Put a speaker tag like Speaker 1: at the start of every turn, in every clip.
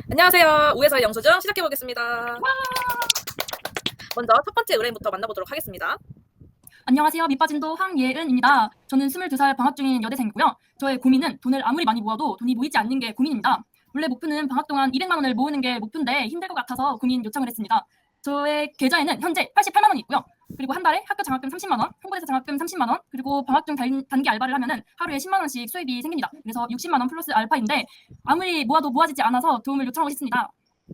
Speaker 1: 안녕하세요. 우회사의 영수증 시작해보겠습니다. 먼저 첫 번째 의뢰인부터 만나보도록 하겠습니다.
Speaker 2: 안녕하세요. 밑빠진도 황예은입니다. 저는 22살 방학 중인 여대생이고요. 저의 고민은 돈을 아무리 많이 모아도 돈이 모이지 않는 게 고민입니다. 원래 목표는 방학 동안 200만 원을 모으는 게 목표인데 힘들 것 같아서 고민 요청을 했습니다. 저의 계좌에는 현재 88만 원이 있고요. 그리고 한 달에 학교 장학금 30만 원, 홍보대사 장학금 30만 원, 그리고 방학 중 단기 알바를 하면은 하루에 10만 원씩 수입이 생깁니다. 그래서 60만 원 플러스 알파인데 아무리 모아도 모아지지 않아서 도움을 요청하고 싶습니다.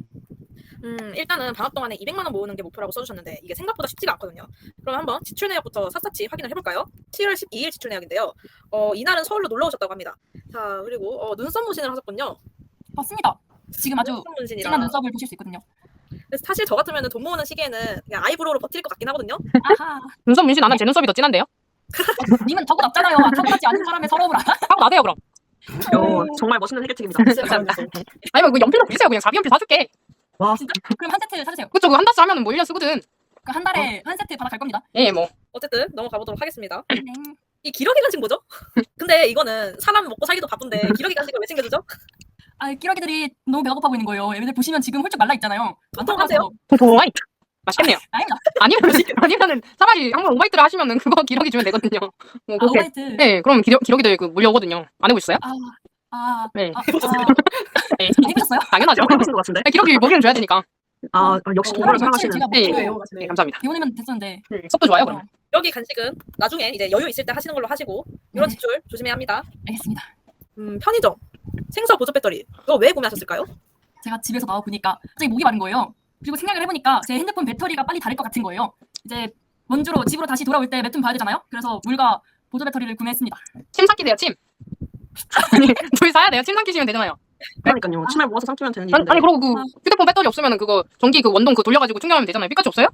Speaker 1: 일단은 방학 동안에 200만 원 모으는 게 목표라고 써주셨는데 이게 생각보다 쉽지가 않거든요. 그럼 한번 지출 내역부터 샅샅이 확인을 해볼까요? 7월 12일 지출 내역인데요. 이날은 서울로 놀러 오셨다고 합니다. 자, 그리고 눈썹 문신을 하셨군요.
Speaker 2: 맞습니다. 지금 아주
Speaker 1: 눈썹 문신이라.
Speaker 2: 진한 눈썹을 보실 수 있거든요.
Speaker 1: 그래서 사실 저 같으면 돈 모으는 시기에는 그냥 아이브로우로 버틸 것 같긴 하거든요.
Speaker 2: 아하.
Speaker 3: 눈썹 문신 안 한 제 눈썹이 더 진한데요?
Speaker 2: 님은 타고 났잖아요. 타고나지 않은 사람의 서러움을 알아?
Speaker 3: 하고 나세요 그럼.
Speaker 4: 정말 멋있는 해결책입니다.
Speaker 1: 감사합니다.
Speaker 3: 아니면 그 연필로 그리세요. 그냥 자비 연필 사줄게.
Speaker 4: 와,
Speaker 2: 진짜 그럼 한 세트 사주세요.
Speaker 3: 그쵸, 그거 한 달치 하면은 뭐 1년 쓰거든.
Speaker 2: 그 한 달에 한 세트 받아갈 겁니다.
Speaker 3: 예, 뭐.
Speaker 1: 어쨌든 넘어가 보도록 하겠습니다.
Speaker 2: 네.
Speaker 1: 이 기러기 간식 뭐죠? 근데 이거는 사람 먹고 살기도 바쁜데 기러기 간식을 왜 챙겨주죠?
Speaker 2: 아, 끼러기들이 너무 배가 고파 보이는 거예요. 얘네들 보시면 지금 홀쭉 말라 있잖아요.
Speaker 1: 통통하세요?
Speaker 3: 통통하이. 맛있겠네요.
Speaker 2: 아닙니다.
Speaker 3: 아니면은 차라리 한번 오바이트를 하시면은 그거 기러기 주면 되거든요. 뭐
Speaker 2: 아,
Speaker 3: 그렇게.
Speaker 2: 오바이트.
Speaker 3: 네, 그럼 기러기들 그 물려오거든요. 안 해보셨어요? 네. 네,
Speaker 2: 해보셨어요?
Speaker 3: 당연하죠.
Speaker 4: 해보신 것 같은데?
Speaker 3: 네, 기러기 먹이는 줘야 되니까.
Speaker 4: 역시 동물을 사랑하시는.
Speaker 2: 제가
Speaker 3: 네.
Speaker 2: 목표예요.
Speaker 3: 네, 감사합니다.
Speaker 2: 배우내면 됐었는데.
Speaker 3: 속도 좋아요, 그럼.
Speaker 1: 여기 간식은 나중에 이제 여유 있을 때 하시는 걸로 하시고 이런
Speaker 2: 네.
Speaker 1: 지출 조심해야 합니다.
Speaker 2: 알겠습니다.
Speaker 1: 편의점 생서 보조 배터리 이거 왜 구매하셨을까요?
Speaker 2: 제가 집에서 나와 보니까 갑자기 목이 마른 거예요. 그리고 생각을 해보니까 제 핸드폰 배터리가 빨리 닳을 것 같은 거예요. 이제 원주로 집으로 다시 돌아올 때 몇 톤 봐야 되잖아요. 그래서 물과 보조 배터리를 구매했습니다.
Speaker 3: 침 삼키세요, 침. 아니, 둘 사야 돼요. 침 삼키시면 되잖아요.
Speaker 4: 그러니까요. 침을 모아서 삼키면 되는
Speaker 3: 아니,
Speaker 4: 일인데.
Speaker 3: 아니 그러고 그 휴대폰 배터리 없으면 그거 전기 그 원동 그 돌려가지고 충전하면 되잖아요. 피카츄 없어요?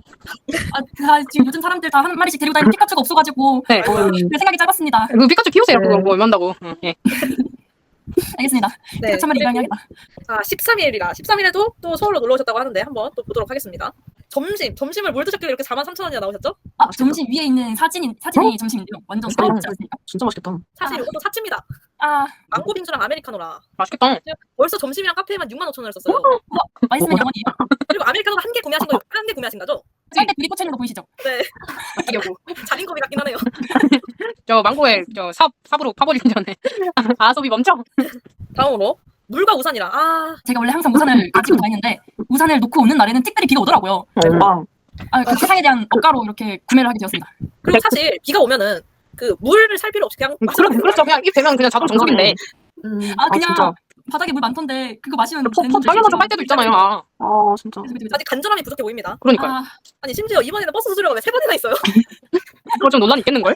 Speaker 2: 지금 요즘 사람들 다 한 마리씩 데리고 다니는 피카츄가 없어가지고
Speaker 3: 네.
Speaker 2: 그 생각이 짧았습니다.
Speaker 3: 그 피카츄 키우세요.
Speaker 4: 네.
Speaker 3: 그거 뭐 얼마인다고. 예.
Speaker 2: 알겠습니다.
Speaker 1: 네.
Speaker 2: 피카츄 한 마리 입양해야겠다.
Speaker 1: 13일이라 13일에도 또 서울로 놀러 오셨다고 하는데 한번 또 보도록 하겠습니다. 점심을 뭘 드셨길래 이렇게 43,000원이나 나오셨죠?
Speaker 2: 점심 위에 있는 사진이 점심인데요. 완전 서럽지 않습니까?
Speaker 4: 진짜 맛있겠다.
Speaker 1: 사실 이것도 사치입니다. 망고 빙수랑 아메리카노라
Speaker 3: 맛있겠다.
Speaker 1: 벌써 점심이랑 카페에만 65,000원을 썼어요.
Speaker 2: 맛있으면 영원히.
Speaker 1: 그리고 아메리카노도 한 개 구매하신 거죠?
Speaker 2: 쌀때 둘이 꽂혀있는 거 보이시죠?
Speaker 1: 네. 자린고비 같긴 하네요.
Speaker 3: 저 망고에 저 삽으로 파버리기 전에 아sob이 멈춰.
Speaker 1: 다음으로 물과 우산이라
Speaker 2: 제가 원래 항상 우산을 가지고 다니는데 우산을 놓고 오는 날에는 특별히 비가 오더라고요. 그 세상에 대한 억가로 이렇게 구매를 하게 되었습니다.
Speaker 1: 그리고 사실 비가 오면은 그 물을 살 필요 없이 그냥 마시면 되는
Speaker 3: 그렇죠. 그냥 입 대면 그냥 자동 정수기인데.
Speaker 2: 그냥
Speaker 4: 진짜.
Speaker 2: 바닥에 물 많던데 그거 마시면
Speaker 3: 당연하죠. 할 때도 있잖아요.
Speaker 4: 진짜.
Speaker 1: 아직 간절함이 부족해 보입니다.
Speaker 3: 그러니까요.
Speaker 1: 아니 심지어 이번에는 버스 수수료가 왜 3번이나 있어요?
Speaker 3: 그거 좀 논란이 있겠는걸?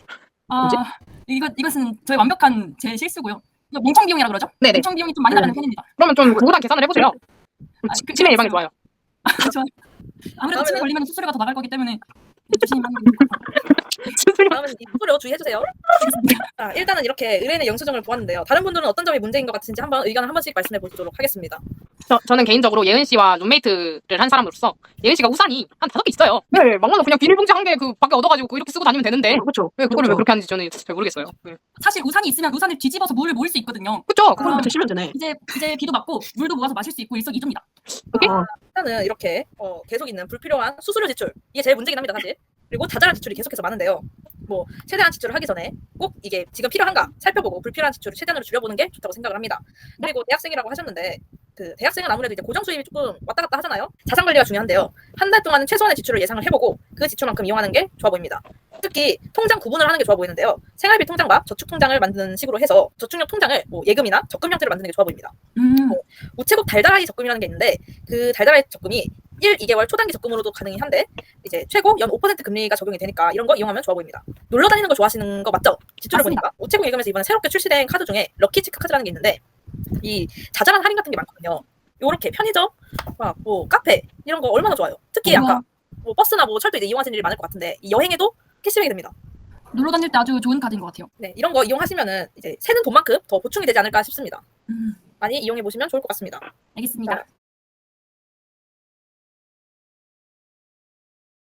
Speaker 2: 이것은 저의 완벽한 제 실수고요. 이거 몽청 비용이라 그러죠?
Speaker 3: 네네.
Speaker 2: 몽청 비용이 좀 많이 나가는 편입니다.
Speaker 3: 그러면 좀 구구단 계산을 해보세요. 치매 예방에 좋아요.
Speaker 2: 좋아요. 아무래도 치매 걸리면 수수료가 더 나갈 거기 때문에 조심하는 게 좋을 것 같아요.
Speaker 1: 다음은 이 수수료 주의해주세요. 일단은 이렇게 의뢰인의 영수증을 보았는데요. 다른 분들은 어떤 점이 문제인 것 같으신지 한번 의견을 한 번씩 말씀해 보도록 하겠습니다.
Speaker 3: 저는 개인적으로 예은 씨와 룸메이트를 한 사람으로서 예은 씨가 우산이 한 5개 있어요. 네, 막말로 그냥 비닐봉지 한 개 그 밖에 얻어가지고 이렇게 쓰고 다니면 되는데
Speaker 4: 그렇죠.
Speaker 3: 왜 그거를 왜 그렇게 하는지 저는 잘 모르겠어요. 네.
Speaker 2: 사실 우산이 있으면 우산을 뒤집어서 물을 모을 수 있거든요.
Speaker 3: 그쵸?
Speaker 4: 그럼 드시면 되네.
Speaker 2: 이제 비도 맞고 물도 모아서 마실 수 있고 일석이조입니다.
Speaker 1: 일단은 이렇게 계속 있는 불필요한 수수료 지출 이게 제일 문제긴 합니다 사실. 그리고 자잘한 지출이 계속해서 많은데요. 뭐 최대한 지출을 하기 전에 꼭 이게 지금 필요한가 살펴보고 불필요한 지출을 최대한으로 줄여보는 게 좋다고 생각을 합니다. 그리고 대학생이라고 하셨는데 그 대학생은 아무래도 이제 고정 수입이 조금 왔다 갔다 하잖아요. 자산 관리가 중요한데요. 한 달 동안은 최소한의 지출을 예상을 해보고 그 지출만큼 이용하는 게 좋아 보입니다. 특히 통장 구분을 하는 게 좋아 보이는데요. 생활비 통장과 저축 통장을 만드는 식으로 해서 저축용 통장을 뭐 예금이나 적금 형태로 만드는 게 좋아 보입니다. 우체국 달달아이 적금이라는 게 있는데 그 달달아이 적금이 1, 2개월 초단기 적금으로도 가능히 한데 이제 최고 연 5% 금리가 적용이 되니까 이런 거 이용하면 좋아 보입니다. 놀러 다니는 거 좋아하시는 거 맞죠? 지출을
Speaker 2: 맞습니다.
Speaker 1: 보니까 우체국 예금에서 이번에 새롭게 출시된 카드 중에 럭키치크 카드라는 게 있는데 이 자잘한 할인 같은 게 많거든요. 요렇게 편의점, 뭐 카페 이런 거 얼마나 좋아요. 특히 아까 뭐 버스나 뭐 철도 이제 이용하시는 일이 많을 것 같은데 이 여행에도 캐시백이 됩니다.
Speaker 2: 놀러 다닐 때 아주 좋은 카드인 것 같아요.
Speaker 1: 네, 이런 거 이용하시면은 이제 새는 돈만큼 더 보충이 되지 않을까 싶습니다. 많이 이용해 보시면 좋을 것 같습니다.
Speaker 2: 알겠습니다.